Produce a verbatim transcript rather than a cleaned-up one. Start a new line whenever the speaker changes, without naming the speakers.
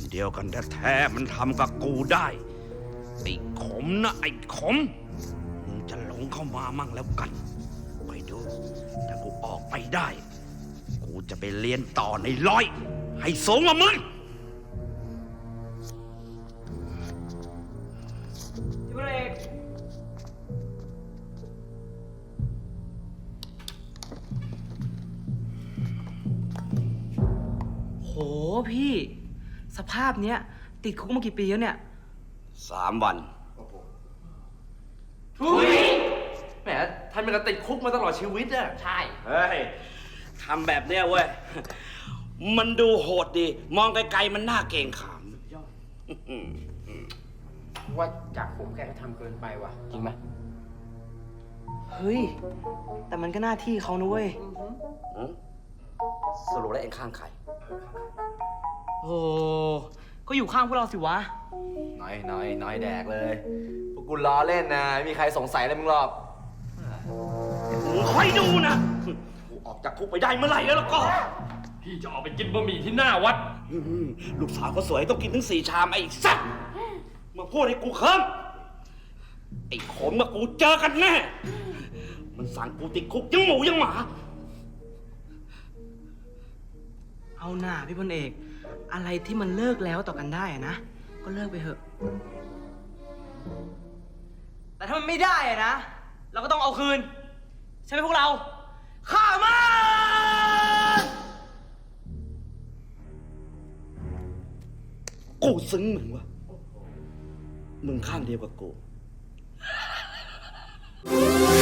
นเดียวกันแท้ๆมันทำกับกูได้ไอ้ขมนะไอ้ขมมึงจะหลงเข้ามามั่งแล้วกันไปดูถ้ากูออกไปได้กูจะไปเรียนต่อในร้อยให้สูงกว่ามึง
พี่พลเอกโหพี่สภาพเนี้ยติดคุกมากี่ปีแล้วเนี่ย
สามวัน
ทุยแหมท่านมันก็ติดคุกมาตลอดชีวิตอะใช่
เฮ้ยทำแบบเนี้ยเว้ยมันดูโหดดีมองไกลๆมันน่าเกรงขาม
ว่าจากผมแกก็ทำเกินไปว่ะ จริงไหม
เฮ้ย แต่มันก็หน้าที่เขานะเว้ย
หืมสรุปแล้วเองข้างใคร
โอ้ก็อยู่ข้างพวกเราสิวะ
น้อยน้อยน้อยแดกเลยพวกกูล้อเล่นนะไม่มีใครสงสัยอะไรมึงหรอก
มึงคอยดูนะกูออกจากคุกไปได้เมื่อไหร่แล้วล่ะก็
พี่จะออกไปกินบะหมี่ที่หน้าวัด
อืมลูกสาวเขาสวยต้องกินถึงสี่ชามไอ้สัตว์มาพูดให้กูเคิมไอ้ขมกับกูเจอกันแน่ มันสั่งกูติดคุกยังหมูยังหมา
เอาหน่าพี่พลเอก อะไรที่มันเลิกแล้วต่อกันได้อะนะ ก็เลิกไปเถอะ แต่ถ้ามันไม่ได้อะนะ เราก็ต้องเอาคืน ใช่ไหมพวกเรา ข้ามัน
กูซึ้งมึงวะมึงข้างเดียวกับกู